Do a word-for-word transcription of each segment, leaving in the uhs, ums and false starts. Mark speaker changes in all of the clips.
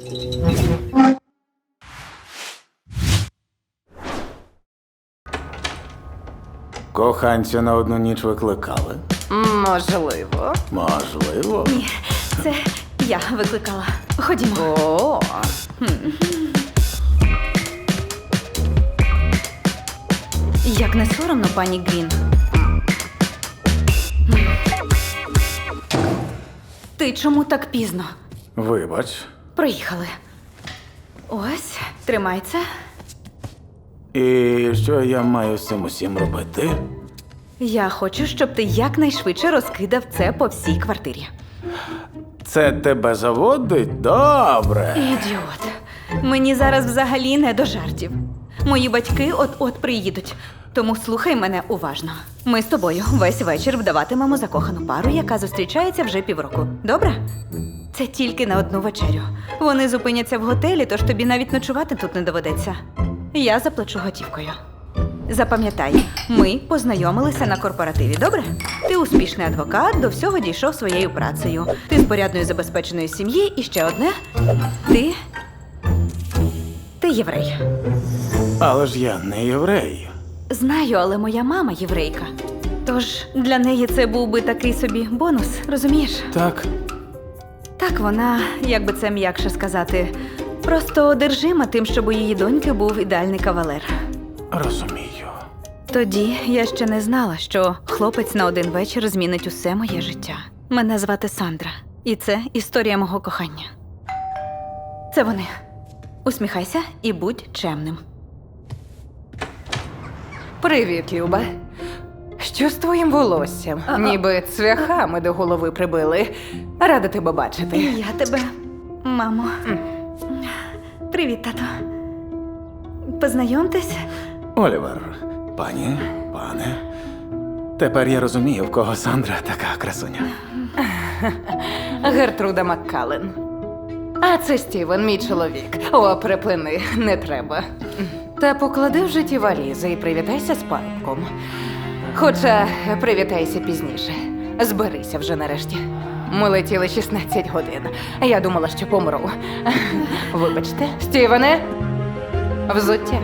Speaker 1: Коханця на одну ніч викликали?
Speaker 2: Можливо.
Speaker 1: Можливо.
Speaker 3: Ні, це я викликала. Ходімо.
Speaker 2: О,
Speaker 3: Як не соромно, пані Грін. Ти чому так пізно?
Speaker 1: Вибач.
Speaker 3: Проїхали. Ось, тримай це.
Speaker 1: І що я маю з цим усім робити?
Speaker 3: Я хочу, щоб ти якнайшвидше розкидав це по всій квартирі.
Speaker 1: Це тебе заводить? Добре.
Speaker 3: Ідіот. Мені зараз взагалі не до жартів. Мої батьки от-от приїдуть. Тому слухай мене уважно. Ми з тобою весь вечір вдаватимемо закохану пару, яка зустрічається вже півроку. Добре? Це тільки на одну вечерю. Вони зупиняться в готелі, тож тобі навіть ночувати тут не доведеться. Я заплачу готівкою. Запам'ятай, ми познайомилися на корпоративі, добре? Ти успішний адвокат, до всього дійшов своєю працею. Ти з порядної забезпеченої сім'ї і ще одне. Ти... Ти єврей.
Speaker 1: Але ж я не єврей.
Speaker 3: Знаю, але моя мама єврейка. Тож для неї це був би такий собі бонус, розумієш?
Speaker 1: Так.
Speaker 3: Так, вона, як би це м'якше сказати, просто одержима тим, щоб у її доньки був ідеальний кавалер.
Speaker 1: Розумію.
Speaker 3: Тоді я ще не знала, що хлопець на один вечір змінить усе моє життя. Мене звати Сандра, і це історія мого кохання. Це вони. Усміхайся і будь чемним.
Speaker 2: привіт, Люба. Що з твоїм волоссям?
Speaker 3: А-а.
Speaker 2: Ніби цвяхами до голови прибили. Рада тебе бачити.
Speaker 3: І я тебе, мамо. Привіт, тато. Познайомтесь.
Speaker 1: Олівер, пані, пане. Тепер я розумію, в кого Сандра така красуня.
Speaker 2: Гертруда Маккален. А це Стівен, мій чоловік. О, припини, не треба. Та поклади в житті валізи і привітайся з парубком. Хоча привітайся пізніше. Зберися вже нарешті. Ми летіли шістнадцять годин. Я думала, що помру. Вибачте. Стівене, взуття.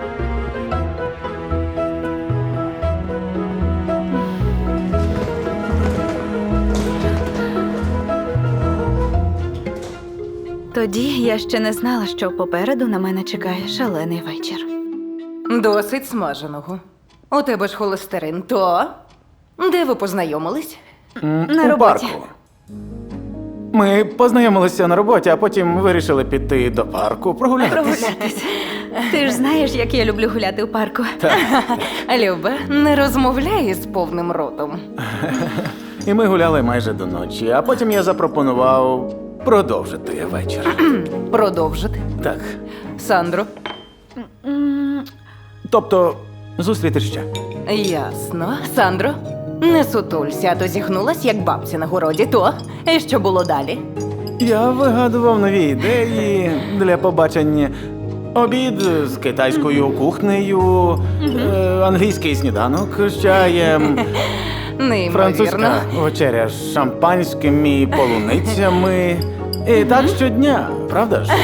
Speaker 3: Тоді я ще не знала, що попереду на мене чекає шалений вечір.
Speaker 2: Досить смаженого. У тебе ж холестерин, то? Де ви познайомились?
Speaker 1: М,
Speaker 3: На
Speaker 1: у
Speaker 3: роботі.
Speaker 1: парку. Ми познайомилися на роботі, а потім вирішили піти до парку прогулятись.
Speaker 3: Прогулятися. Ти ж знаєш, як я люблю гуляти у парку.
Speaker 2: Люба, не розмовляй з повним ротом.
Speaker 1: І ми гуляли майже до ночі, а потім я запропонував продовжити вечір.
Speaker 2: Продовжити.
Speaker 1: Так.
Speaker 2: Сандро?
Speaker 3: М,
Speaker 1: Тобто, зустріти ще.
Speaker 2: Ясно. Сандро? Не сутулься, а то зігнулась, як бабці на городі, то? І що було далі?
Speaker 1: Я вигадував нові ідеї для побачення. Обід з китайською кухнею, е, англійський сніданок з чаєм,
Speaker 2: Неймовірно.
Speaker 1: французька вечеря з шампанським і полуницями. І так щодня, правда ж?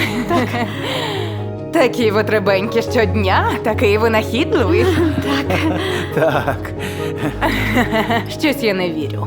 Speaker 2: Такі витребенькі щодня, такий винахідливий.
Speaker 1: Так.
Speaker 2: Щось я не вірю.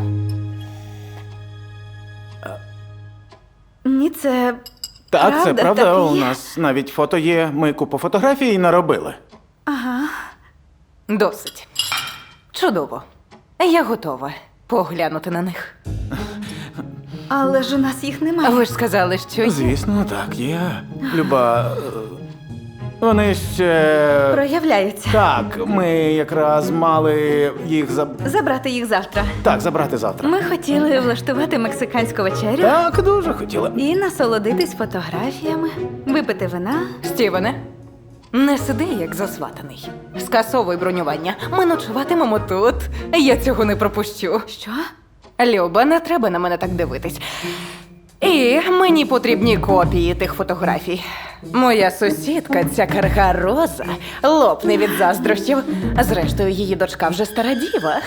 Speaker 3: Ні, це
Speaker 1: Так, це
Speaker 3: Правда,
Speaker 1: правда.
Speaker 3: так і
Speaker 1: У
Speaker 3: є.
Speaker 1: нас навіть фото є. Ми купу фотографій наробили.
Speaker 3: ага.
Speaker 2: Досить. Чудово. Я готова поглянути на них.
Speaker 3: Але ж у нас їх немає.
Speaker 2: Ви ж сказали, що є.
Speaker 1: Звісно, так, є. Люба. е, Вони ще.
Speaker 3: Проявляються.
Speaker 1: Так, ми якраз мали їх заб...
Speaker 3: Забрати їх завтра.
Speaker 1: Так, забрати завтра.
Speaker 3: Ми хотіли влаштувати мексиканську вечерю
Speaker 1: Так, дуже хотіла.
Speaker 3: і насолодитись фотографіями, випити вина.
Speaker 2: Стівене, не сиди, як засватаний. Скасовуй бронювання. Ми ночуватимемо тут. Я цього не пропущу.
Speaker 3: Що?
Speaker 2: Люба, не треба на мене так дивитись. І мені потрібні копії тих фотографій. Моя сусідка, ця карга Роза, лопне від заздрощів. Зрештою, її дочка вже стара діва.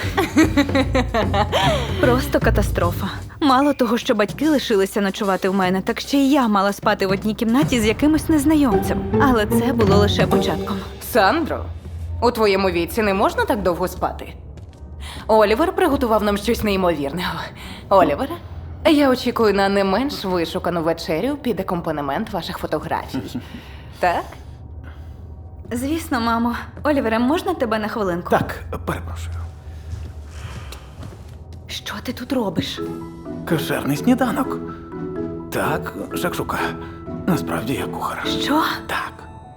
Speaker 3: Просто катастрофа. Мало того, що батьки лишилися ночувати в мене, так ще й я мала спати в одній кімнаті з якимось незнайомцем. Але це було лише початком.
Speaker 2: Сандро, у твоєму віці не можна так довго спати. Олівер приготував нам щось неймовірного. Олівере, я очікую на не менш вишукану вечерю під акомпанемент ваших фотографій. Так?
Speaker 3: Звісно, мамо. Олівере, можна тебе на хвилинку?
Speaker 1: Так, перепрошую.
Speaker 3: Що ти тут робиш?
Speaker 1: Кошерний сніданок. Так, шакшука. Насправді я кухар.
Speaker 3: Що?
Speaker 1: Так.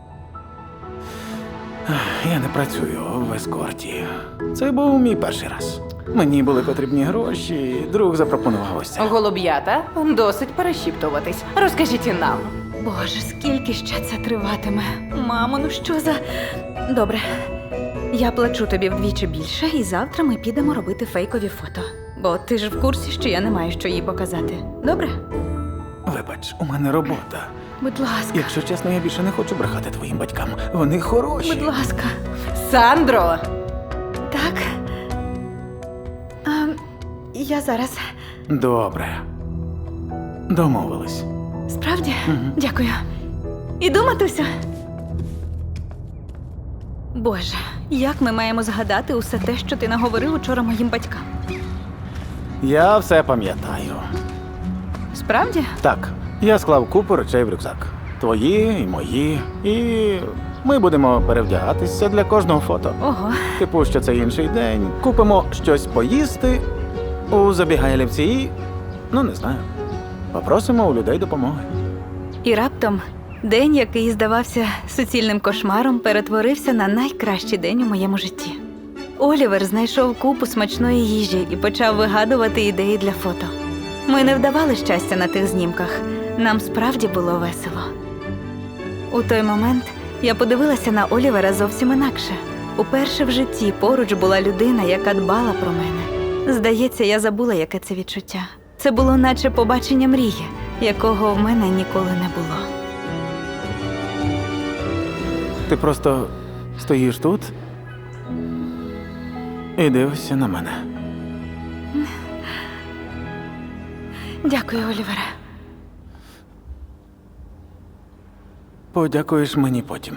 Speaker 1: Ех, Я не працюю в ескорті. Це був мій перший раз. Мені були потрібні гроші, друг запропонував ось це.
Speaker 2: Голуб'ята, досить перешіптуватись. Розкажіть і нам.
Speaker 3: Боже, скільки ще це триватиме? Мамо, ну що за. Добре. Я плачу тобі вдвічі більше, і завтра ми підемо робити фейкові фото. Бо ти ж в курсі, що я не маю що їй показати. Добре?
Speaker 1: Вибач, у мене робота.
Speaker 3: Будь ласка.
Speaker 1: Якщо чесно, я більше не хочу брехати твоїм батькам. Вони хороші.
Speaker 3: Будь ласка.
Speaker 2: Сандро!
Speaker 3: Так. А, я зараз.
Speaker 1: Добре. Домовились.
Speaker 3: Справді? Дякую. Іду, матусю. Боже, як ми маємо згадати усе те, що ти наговорив учора моїм батькам?
Speaker 1: Я все пам'ятаю.
Speaker 3: Справді?
Speaker 1: Так, я склав купу речей в рюкзак. Твої і мої. І ми будемо перевдягатися для кожного фото.
Speaker 3: Ого.
Speaker 1: Типу, що це інший день. Купимо щось поїсти у забігайлівці і, ну не знаю, попросимо у людей допомоги.
Speaker 3: І раптом день, який здавався суцільним кошмаром, перетворився на найкращий день у моєму житті. Олівер знайшов купу смачної їжі і почав вигадувати ідеї для фото. Ми не вдавали щастя на тих знімках. Нам справді було весело. У той момент я подивилася на Олівера зовсім інакше. Уперше в житті поруч була людина, яка дбала про мене. Здається, я забула, яке це відчуття. Це було наче побачення мрії, якого в мене ніколи не було.
Speaker 1: Ти просто стоїш тут і дивишся на мене.
Speaker 3: Дякую, Олівере.
Speaker 1: Подякуєш мені потім.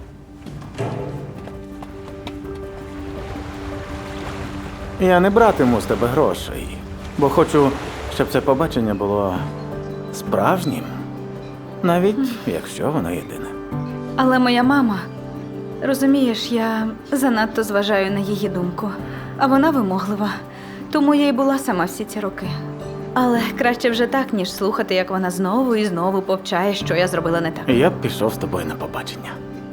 Speaker 1: Я не братиму з тебе грошей, бо хочу, щоб це побачення було справжнім, навіть якщо воно єдине.
Speaker 3: Але моя мама, розумієш, я занадто зважаю на її думку, а вона вимоглива, тому я й була сама всі ці роки. Але краще вже так, ніж слухати, як вона знову і знову повчає, що я зробила не так.
Speaker 1: Я б пішов з тобою на побачення.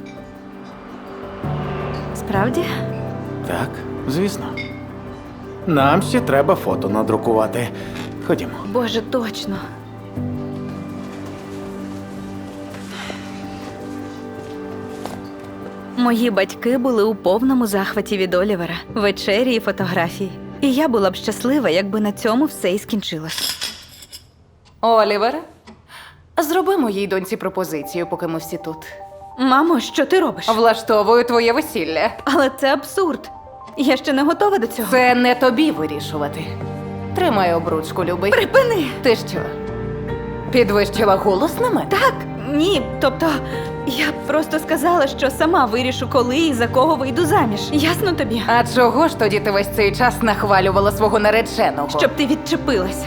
Speaker 3: Справді?
Speaker 1: Так, звісно. Нам ще треба фото надрукувати. Ходімо.
Speaker 3: Боже, точно. Мої батьки були у повному захваті від Олівера, вечері і фотографії. І я була б щаслива, якби на цьому все і скінчилось.
Speaker 2: Олівере, зроби моїй доньці пропозицію, поки ми всі тут.
Speaker 3: Мамо, що ти робиш?
Speaker 2: Влаштовую твоє весілля.
Speaker 3: Але це абсурд. Я ще не готова до цього.
Speaker 2: Це не тобі вирішувати. Тримай обручку, любий.
Speaker 3: Припини!
Speaker 2: Ти що? Підвищила голос на мене?
Speaker 3: Так, ні, тобто я просто сказала, що сама вирішу, коли і за кого вийду заміж. Ясно тобі?
Speaker 2: А чого ж тоді ти весь цей час нахвалювала свого нареченого?
Speaker 3: Щоб ти відчепилася.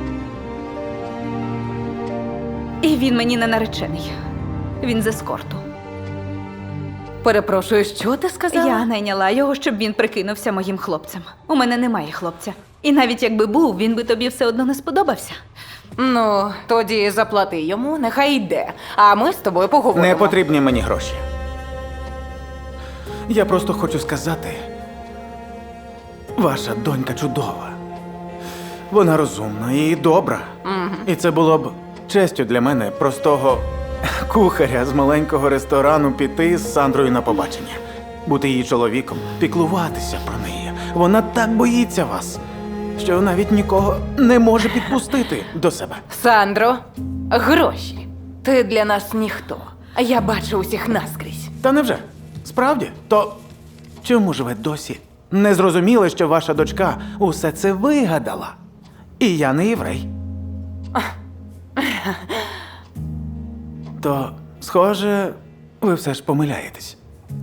Speaker 3: І він мені не наречений. Він з ескорту.
Speaker 2: Перепрошую, що ти сказала?
Speaker 3: Я найняла його, щоб він прикинувся моїм хлопцем. У мене немає хлопця. І навіть якби був, він би тобі все одно не сподобався.
Speaker 2: Ну, тоді заплати йому, нехай йде. А ми з тобою поговоримо.
Speaker 1: Не потрібні мені гроші. Я просто хочу сказати, ваша донька чудова. Вона розумна і добра. І це було б честю для мене, простого кухаря з маленького ресторану, піти з Сандрою на побачення. Бути її чоловіком, піклуватися про неї. Вона так боїться вас. що навіть нікого не може підпустити до себе.
Speaker 2: Сандро, гроші. Ти для нас ніхто. А я бачу усіх наскрізь.
Speaker 1: Та невже? Справді? То чому ж ви досі не зрозуміли, що ваша дочка усе це вигадала? І я не єврей. То, схоже, ви все ж помиляєтесь.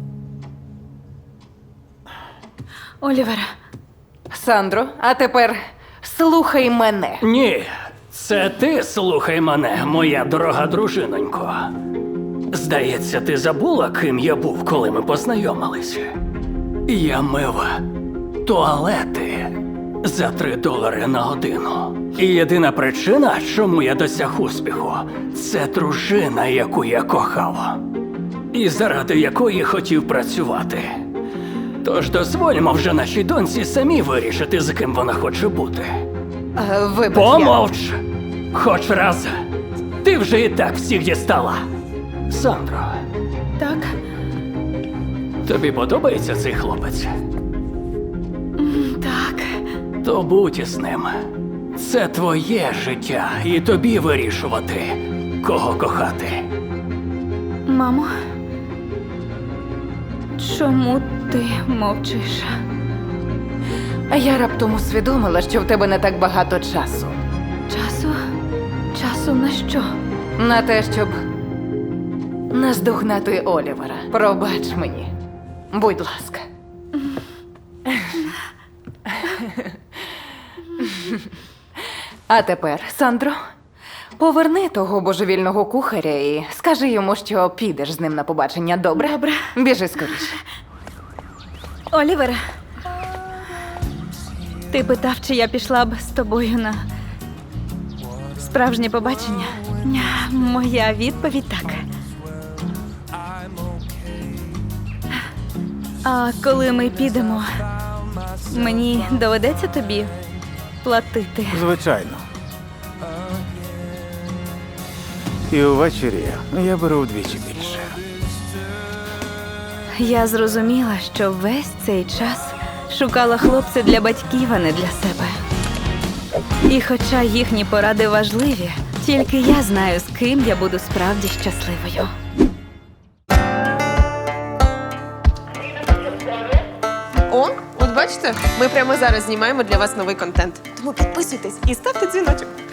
Speaker 3: Олівер,
Speaker 2: Сандро, а тепер слухай мене.
Speaker 4: Ні, це ти слухай мене, моя дорога дружинонько. Здається, ти забула, ким я був, коли ми познайомилися. Я мив туалети за три долари на годину. І єдина причина, чому я досяг успіху, це дружина, яку я кохав. І заради якої хотів працювати. Тож дозвольмо вже нашій доньці самі вирішити, з ким вона хоче бути.
Speaker 2: Е, Вибач, я...
Speaker 4: Помовч! Хоч раз. Ти вже і так всіх дістала. Сандро,
Speaker 3: так?
Speaker 4: тобі подобається цей хлопець?
Speaker 3: Так.
Speaker 4: То будь із ним. Це твоє життя, і тобі вирішувати, кого кохати.
Speaker 3: Мамо, чому ти мовчиш?
Speaker 2: А я раптом усвідомила, що в тебе не так багато часу.
Speaker 3: Часу? Часу на що?
Speaker 2: На те, щоб наздогнати Олівера. Пробач мені. Будь ласка. А тепер, Сандро, поверни того божевільного кухаря і скажи йому, що підеш з ним на побачення, добре?
Speaker 3: Добре.
Speaker 2: Біжи скоріше.
Speaker 3: Олівер, ти питав, чи я пішла б з тобою на справжнє побачення? Ня, моя відповідь так. А коли ми підемо, мені доведеться тобі платити.
Speaker 1: Звичайно. І увечері я беру вдвічі більше.
Speaker 3: Я зрозуміла, що весь цей час шукала хлопця для батьків, а не для себе. І хоча їхні поради важливі, тільки я знаю, з ким я буду справді щасливою.
Speaker 5: О, от бачите, ми прямо зараз знімаємо для вас новий контент. Тому підписуйтесь і ставте дзвіночок.